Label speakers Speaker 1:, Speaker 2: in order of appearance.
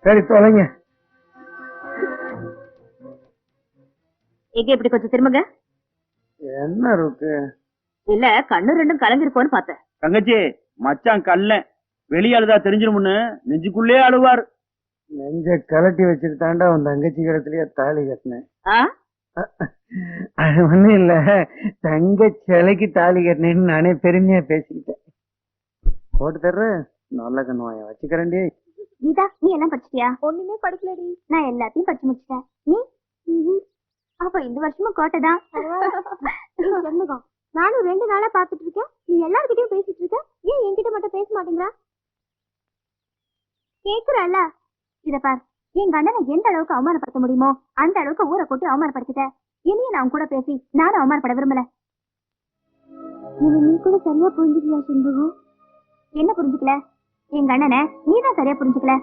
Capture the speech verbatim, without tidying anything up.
Speaker 1: சரி தொலைங்க.
Speaker 2: எங்க இப்படி கொஞ்சம் திரும்புங்க.
Speaker 1: என்ன இருக்கு?
Speaker 2: இல்ல கண்ணு ரெண்டும் கலங்கிருக்கோன்னு பார்த்தேன்.
Speaker 3: தங்கச்சி மச்சான் கல்ல வெளியாளுதா தெரிஞ்சிருமுன்னு நெஞ்சுக்குள்ளே அழுவார்.
Speaker 1: நெஞ்ச கலட்டி வச்சுட்டு தாண்டா உன் தங்கச்சி கிடத்துலயே தாலி கட்டினேன்.
Speaker 2: ஆ?
Speaker 1: அது ஒண்ணும் இல்ல, தங்க சிலைக்கு தாலி கட்டினேன்னு நானே பெருமையா பேசிக்கிட்டேன். போட்டு தர்ற நல்ல கண்ணுவாய வச்சுக்கிறேன்டி.
Speaker 4: கீதா, நீ எல்லாம் படிச்சிட்டியா? ஒண்ணுமே படிக்கலடி. நான் எல்லாத்தையும் படிச்சு முடிச்சிட்டேன். நீ? அப்ப இந்த வருஷமும் கோட்டைதான். சண்முகம், நானும் ரெண்டு நாளா பாத்துட்டு இருக்கேன். நீ எல்லார்கிட்டயும் பேசிட்டு இருக்க, ஏன் என்கிட்ட மட்டும் பேச மாட்டேங்கிறா? கேக்குறல்ல, இத பார், என் கண்ணனை எந்த அளவுக்கு அவமானப்படுத்த முடியுமோ அந்த அளவுக்கு ஊரை போட்டு அவமானப்படுத்திட்ட. இனியும் நான் கூட பேசி நானும் அவமானப்பட விரும்பல. நீ கூட சரியா புரிஞ்சுக்கலையா சண்முகம்? என்ன புரிஞ்சுக்கல? என் கண்ணனை நீதான் சரியா புரிஞ்சுக்கல.